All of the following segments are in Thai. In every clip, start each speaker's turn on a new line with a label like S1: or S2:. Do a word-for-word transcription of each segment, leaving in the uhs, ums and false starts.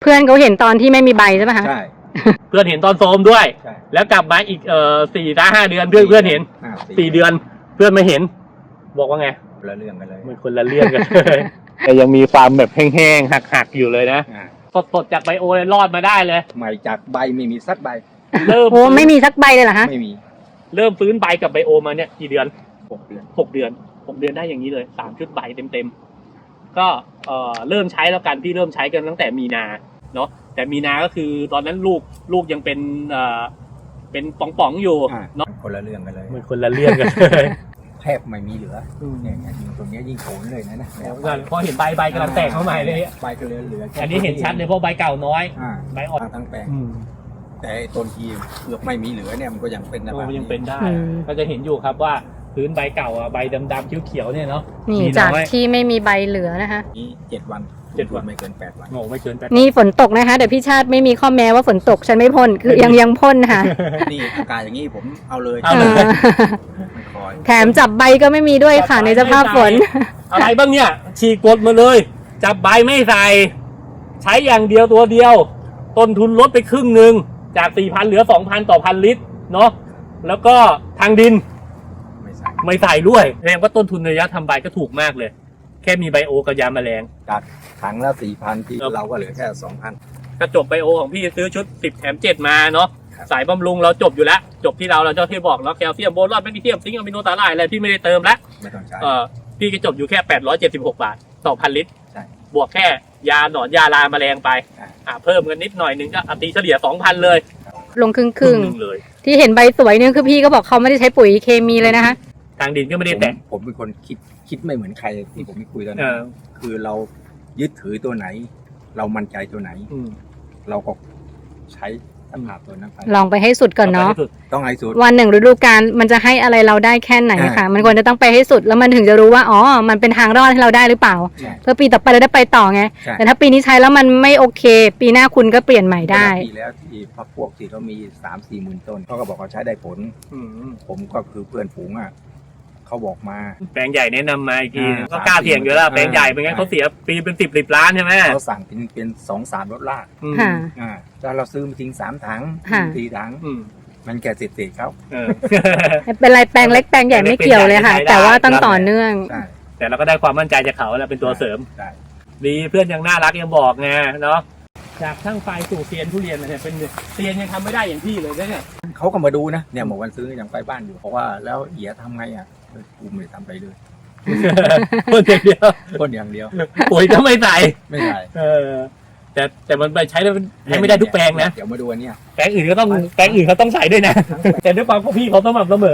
S1: เพื่อนเขาเห็นตอนที่ไม่มีใบใช่ไหมคะ
S2: ใช่
S3: เพื่อนเห็นตอนโซมด้วยแล้วกลับมาอีกเอ่อสี่ถึงห้าเดือนเพื่อนเพื่อนเห็นสี่เดือนเพื่อนไม่เห็นบอกว่าไง
S2: คนละเรื่องกันเลย
S3: มันคนละเรื่องกันเลยแต่ยังมีความแบบแห้งๆหักๆอยู่เลยนะสดๆจากไบโอเลยรอดมาได้เลย
S2: ใหม่จากใบไม่มีสักใบ
S1: เริ่มโอ้ไม่มีสักใบเลยเหรอฮะ
S2: ไม่มี
S3: เริ่มฟื้นใบกับไบโอมาเนี่ยกี่เดือน
S2: หกเดือน
S3: หกเดือนหกเดือนได้อย่างนี้เลยสามชุดใบเต็มๆก็เอ่อเริ่มใช้แล้วกันพี่เริ่มใช้กันตั้งแต่มีนาเนาะแต่มีนาก็คือตอนนั้นลูกลูกยังเป็นเอ่อเป็นป่องๆอยู่
S2: เนาะคนละเรื่องกันเลย
S3: มันคนละเรื่องกันเลย
S2: แทบไม่มีเหลือเนี่ยยิ่งตรงนี้ยิ่งโขนเลยนะนะ
S3: พอเห็นใบใบกำลังแตกเข้ามาเลย
S2: ใบก็เหลือเหลือ
S3: อันนี้เห็นชัดเลยเพราะใบเก่าน้อยใบอ่อน
S2: ทั้งแปลงแต่ต้นทีเกือบไม่มีเหลือเนี่ยมันก็ยังเป็นนะ
S3: มันยังเป็นได้ก็จะเห็นอยู่ครับว่าพื้นใบเก่าอ่ะใบดำๆเขียวๆเนี่ยเนาะ
S1: นี่จากที่ไม่มีใบเหลือนะคะ
S2: นี่เจ็ดวันเจ็ดวันไม่เกินแปดวัน
S3: โง่ไม่เกินแปด
S1: นี่ฝนตกนะคะเดี๋ยวพี่ชาติไม่มีข้อแม้ว่าฝนตกฉันไม่พ่นคือยังยังพ่นค่ะ
S2: นี่อากาศอย่างนี้ผมเอาเลย
S1: แถมจับใบก็ไม่มีด้วยค่ะในสภาพฝน
S3: อะไรบ้างเนี่ยฉีกกดมาเลยจับใบไม่ใส่ใช้อย่างเดียวตัวเดียวต้นทุนลดไปครึ่งหนึ่งจาก สี่พัน เหลือ สองพัน ต่อพันลิตรเนาะแล้วก็ทางดินไม่ใส่ไม่ใส่ด้วยแสดงว่าต้นทุนระยะทำใบก็ถูกมากเลยแค่มีไบโอกับยาแมลง
S2: จากถังละ สี่พัน ที่เราก็เหลือแค่ สองพัน
S3: กระจบไบโอของพี่ซื้อชุดสิบแถมเจ็ดมาเนาะสายบำรุงเราจบอยู่แล้วจบที่เราเราเจ้าที่บอกเนาะแคลเซียมโบรอนแมกนีเซียมซิงค์อะมิโนสาหร่ายอะไรพี่ไม่ได้เติมแล้ว
S2: ไม่ต้องใช้
S3: เออพี่ก็จบอยู่แค่แปดร้อยเจ็ดสิบหกบาทต่อพันลิตร
S2: ใช่
S3: บวกแค่ยาหนอนยาลาแมลงไปอ่าเพิ่มกันนิดหน่อยนึงก็ตีเฉลี่ย สองพัน เลย
S1: ลงครึ่งครึ่งเลยที่เห็นใบสวยเนี่ยคือพี่ก็บอกเขาไม่ได้ใช้ปุ๋ยเคมีเลยนะคะ
S3: ทางดินก็ไม่ได้แตะ
S2: ผมเป็นคนคิดคิดไม่เหมือนใครที่ผมไม่คุยตอนนั้นคือเรายึดถือตัวไหนเรามั่นใจตัวไหนเราก็ใช้สภาพตัวนั้นไป
S1: ลองไปให้สุดก่อนเนาะ
S2: ต้องให้สุด
S1: วันหนึ่งฤดูกาลมันจะให้อะไรเราได้แค่ไหนค่ะมันควรจะต้องไปให้สุดแล้วมันถึงจะรู้ว่าอ๋อมันเป็นทางรอดให้เราได้หรือเปล่าเพื่อปีต่อไปเราได้ไปต่อไงแต่ถ้าปีนี้ใช้แล้วมันไม่โอเคปีหน้าคุณก็เปลี่ยนใหม่ได้
S2: ปีแล้วที่พักพวกที่เขามีสามสี่หมื่นต้นเขาก็บอกเขาใช้ได้ผลผมก็คือเพื่อนฝูงอ่ะเขาบอกมา
S3: แปลงใหญ่แนะนำมาอีกทีก็กล้าเสี่ยงอยู่แล้วแปลงใหญ่เป็นไงเขาเสียปีเป็นสิบสิบล้านใช่ไหม
S2: เขาสั่งเป็นเป็นสองสามรถลากอ่าแล้วเราซื้อมาทิ้งสามถังสี่ถังมันแก่เศษเศษเขา
S1: เป็นไรแปลงเล็กแปลงใหญ่ไม่เกี่ยวเลยค่ะแต่ว่าต้องต่อเนื่อง
S3: แต่เราก็ได้ความมั่นใจจากเขาแล้วเป็นตัวเสริมดีเพื่อนยังน่ารักยังบอกไงเนาะจากช่างไฟสู่เซียนทุเรียนเนี่ยเป็นเซียนยังทำไม่ได้อย่างพี่เลยเนี่ย
S2: เขาก็มาดูนะเนี่ยเมื่อวันซื้อยังไปบ้านอยู่เพราะว่าแล้วเอียทำไงอ่ะกูไม่ทำไปเลย
S3: พ่นอย่างเดียว
S2: พ่นอย่างเดียว
S3: ปุ๋ยก็ไม่ใส่
S2: ไม่ใส่
S3: เออแต่แต่มันไปใช้แล้วใช้ไม่ได้ทุกแปลงนะ
S2: เดี๋ยวมาดูอันนี้
S3: แปลงอื่นก็ต้องแปลงอื่นเขาต้องใส่ด้วยนะแต่ด้วยความพวกพี่เขาต้องแบบเสมอ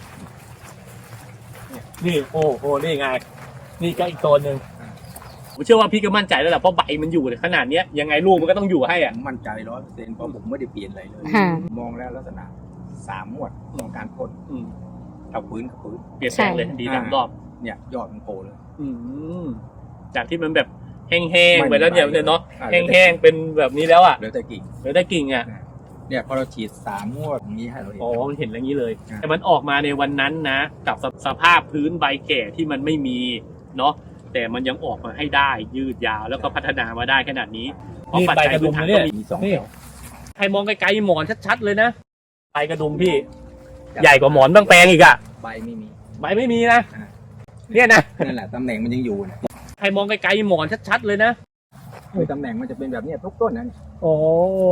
S3: นี่โอ้โหนี่ไงนี่ก็อีกตัวหนึ่งผมเชื่อว่าพี่ก็มั่นใจแล้วแหละเพราะใบมันอยู่ขนาดนี้ยังไงลูกมันก็ต้องอยู่ให้อ่ะ
S2: มั่นใจร้อยเปอร์เซ็นต์เพราะผมไม่ได้เปลี่ยนอะไรเลยมองแล้วลักษณะสามหมวดของการพ่นเอาพื้นกับพื้น
S3: เปลี่ยนแปลงเลยดีทั้งรอบ
S2: เนี่ยยอดมันโผล่เลย
S3: จากที่มันแบบแห้งๆไปแล้วเนี่ยเนาะแห้งๆเป็นแบบนี้แล้วอ่ะ
S2: เหลือแต่กิ่ง
S3: เหลือแต่กิ่งอ่ะ
S2: เนี่ยพอเราฉีดสามงวดนี้ให้เราเห็น
S3: อ๋อมันเห็นอย่างนี้เลยแต่มันออกมาในวันนั้นนะกับสภาพพื้นใบแก่ที่มันไม่มีเนาะแต่มันยังออกมาให้ได้ยืดยาวแล้วก็พัฒนามาได้ขนาดนี้เพราะปัจจัยพื้นฐานก็มีสองแถวใครมองไกลๆหมอนชัดๆเลยนะใบกระดุมพี่ใหญ่กว่าหมอนบางแปลงอีกอ่ะ
S2: ใบไม่มี
S3: ใบไม่มีนะเนี่ยนะ
S2: นั่นแหละตำแหน่งมันยังอยู่นะ
S3: ใครมองไกลๆหมอนชัดๆเลยนะ
S2: คือตำแหน่งมันจะเป็นแบบนี้ทุกต้นนะ
S3: โอ้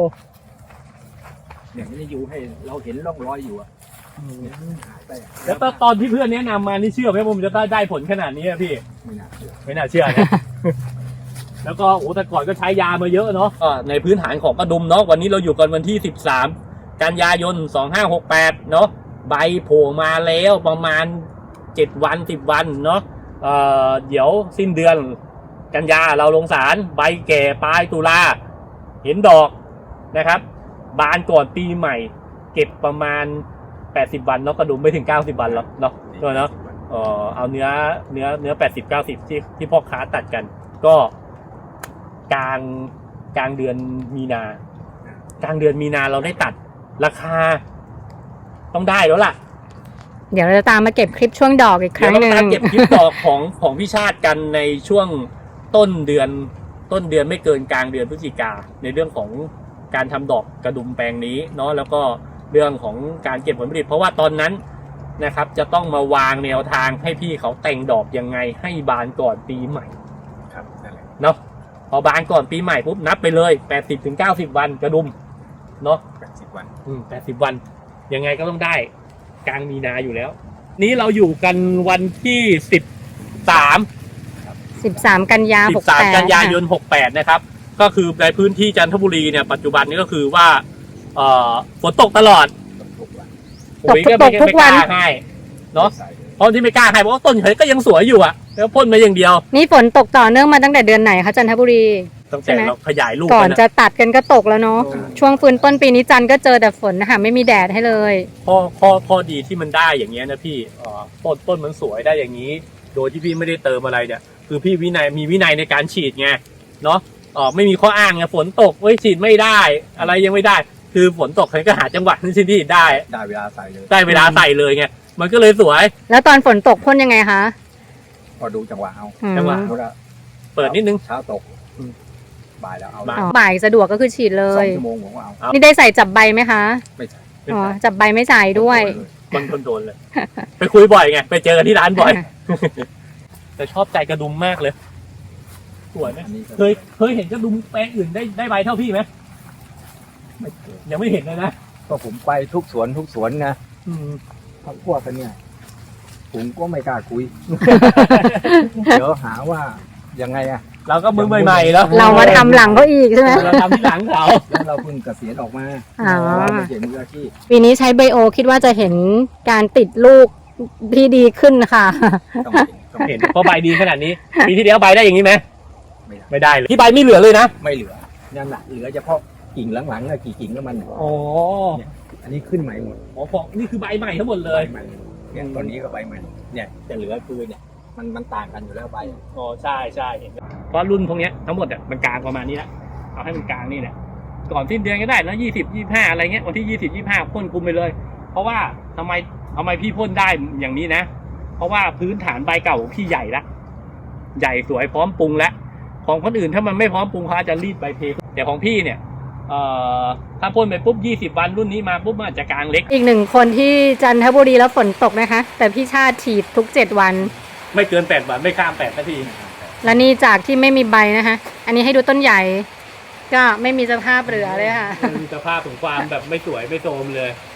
S2: เนี่ยมันจะอยู่ให้เราเห็นร่องรอยอยู่อ่ะ
S3: แล้วตอนที่เพื่อนแนะนำมานี่เชื่อไหมว่ามันจะได้ได้ผลขนาดนี้อะพี่
S2: ไม่น่าเชื่อ
S3: ไม่น่าเชื่อนะแล้วก็โอ้แต่ก่อนก็ใช้ยามาเยอะเนาะในพื้นฐานของกระดุมเนาะวันนี้เราอยู่กันวันที่สิบสามกันยายนสองห้าหกแปดเนาะใบโผล่มาแล้วประมาณเจ็ดวันสิบวันเนาะเอ่อเดี๋ยวสิ้นเดือนกันยาเราลงสารใบแก่ปลายตุลาเห็นดอกนะครับบานก่อนปีใหม่เก็บประมาณแปดสิบวันเนาะกระดุมไม่ถึงเก้าสิบวันหรอกเนาะตัวเนาะเอ่อเอาเนื้อเนื้อเนื้อแปดสิบ เก้าสิบที่ที่พ่อค้าตัดกันก็กลางกลางเดือนมีนากลางเดือนมีนาเราได้ตัดราคาต้องได้แล้วล่ะ
S1: เดี๋ยวเราจะตามมาเก็บคลิปช่วงดอกอีกครั้งนึง
S3: เดี๋ยวเราตามเก็บคลิปดอกของของพี่ชาติกันในช่วงต้นเดือนต้นเดือนไม่เกินกลางเดือนพฤศจิกาในเรื่องของการทำดอกกระดุมแปลงนี้เนาะแล้วก็เรื่องของการเก็บผลผลิตเพราะว่าตอนนั้นนะครับจะต้องมาวางแนวทางให้พี่เขาแต่งดอกยังไงให้บานก่อนปีใหม่
S2: ครับนั่นแหละ
S3: เนาะพอบานก่อนปีใหม่ปุ๊บนับไปเลยแปดสิบถึงเก้าสิบวันกระดุมเนาะ
S2: แปดสิบวัน
S3: อืมแปดสิบวันยังไงก็ต้องได้กลางมีนาอยู่แล้ว นี้เราอยู่กันวันที่สิบสาม
S1: สิบสามกันยา
S3: สิ
S1: หก
S3: บสาม
S1: แปด
S3: กันยายนหกแปดนะครับก็คือในพื้นที่จันทบุรีเนี่ยปัจจุบันนี้ก็คือว่าเอ่อฝนตกตลอด
S2: ทุกวัน
S3: ปุ๋ยก็ไม่ไม่กล้าให้เนาะ
S2: ใส่เลย
S3: เพราะที่ไม่กล้าให้เพราะว่าต้นเฉยก็ยังสวยอยู่อะแล้วพ่นมาอย่างเดียว
S1: นี่ฝนตกต่อเนื่องมาตั้งแต่เดือนไหนคะจันทบุรี
S3: ตั้งแต่เราขยายลูก
S1: ก่อน
S3: ไป
S1: จะ
S3: นะ
S1: ตัดกันก็ตกแล้วเนาะช่วงฟื้นต้นปีนี้จันก็เจอแต่ฝนนะคะไม่มีแดดให้เลย
S3: ข้อข้อข้อดีที่มันได้อย่างเงี้ยนะพี่เอ่อต้นต้นมันสวยได้อย่างนี้ โดยที่พี่ไม่ได้เติมอะไรเนี่ยคือพี่วินัยมีวินัยในการฉีดไงเนาะเออไม่มีข้ออ้างไงฝนตกเอ้ยฉีดไม่ได้ อะไรยังไม่ได้ คือฝนตกใครก็หาจังหวะที่ฉีดได้
S2: ได้เวลาใส่เลย
S3: ได้เวลาใส่เลยไงมันก็เลยสวย
S1: แล้วตอนฝนตกพ่นยังไงคะ
S2: พอดูจังหวะเอา
S1: อืม
S3: จังหวะ
S2: เอาละ
S3: เปิดนิดนึง
S2: เช้าตก
S3: อืม
S2: บ่ายแล้วเอา
S3: บ่าย
S1: อ๋อบ่ายสะดวกก็คือฉีดเล
S2: สอย งชั่วโมงผมก็เอา
S3: ครับ
S1: นี่ได้ใส่จับใบไหมคะ
S2: ไม่ใส่
S1: อ๋อจับใบไม่ใส่ด้วย
S3: คนคนโดนเลย ไปคุยบ่อยไงไปเจอกันที่ร้านบ่อย แต่ชอบใจกระดุมมากเลยสวยไหม
S2: อันนี้ก็
S3: เคยเคยเห็นกระดุมแปลงอื่นได้ได้ใบเท่าพี่ไหม
S2: ไม่เคย
S3: ยังไม่เห็นเลยนะ
S2: ก็ผมไปทุกสวนทุกสวนนะ
S3: อืม
S2: พักพวกกันเนี่ยผมก็ไม่กล้าคุย เดี๋ยวหาว่ายังไงอะ
S3: เราก็มือใหม่ๆแล้ว
S1: เรามาทำหลังเขาอีกใช่ไหม
S3: เราทำที่หลังเขา
S2: แล้วเราเพิ่งเกษียณออกมา
S1: อ๋อ
S2: เราไม่ใช่มืออาชีพ
S1: ปีนี้ใช้ไบโอคิดว่าจะเห็นการติดลูกที่ดีขึ้นค่ะ
S2: ต้องเห็นต้อง
S3: เห็
S2: เห็
S3: น
S2: น
S3: เพราะใบดีขนาดนี้ ปีที่แล้วใบได้อย่างนี้ไหม
S2: ไม่ได้
S3: ไม่ได้เลยที่ใบไม่เหลือเลยนะ
S2: ไม่เหลือนั่นแหละเหลือเฉพาะกิ่งหลังๆอะกี่กิ่งแล้วมัน
S3: อ๋อ
S2: อันนี้ขึ้นใหม่หมด
S3: อ๋อพอนี่คือใบใหม่ทั้งหมดเล
S2: ใบ
S3: ย
S2: ใหม่เนี่ยตอนนี้ก็ใบใหม่เนี่ยจะเหลือคือเนี่ยมันมันต่างกันอยู่แล้วใบ
S3: อ๋อใช่ใช่เห็นเพราะรุ่นพวกเนี้ยทั้งหมดอ่ะมันกลางประมาณนี้แหละเอาให้มันกลางนี่แหละก่อนสิ้นเดือนก็ได้แล้วยี่สิบยี่ห้าอะไรเงี้ยวันที่ยี่สิบยี่ห้าพ่นคุมไปเลย เพราะว่าทำไมทำไมพี่พ่นได้อย่างนี้นะ เพราะว่าพื้นฐานใบเก่าของพี่ใหญ่ละใหญ่สวยพร้อมปรุงแล้วของคนอื่นถ้ามันไม่พร้อมปรุงเขาอาจจะรีดใบเพแต่ของพี่เนี่ยเอ่อถ้าพ่นไปปุ๊บยี่สิบวันรุ่นนี้มาปุ๊บมันอาจจะกลางเล็ก
S1: อีกหนึ่งคนที่จันทบุรีแล้วฝนตกนะคะ แต่พี่ชาติฉีดทุกเจ็ดวัน
S3: ไม่เกินแปดวันไม่ข้ามแปดนาที
S1: และนี่จากที่ไม่มีใบนะคะ อันนี้ให้ดูต้นใหญ่ ก็ไม่มีสภาพเหลือเลยค่ะ
S3: มีสภาพของความแบบไม่สวยไม่โทรมเลย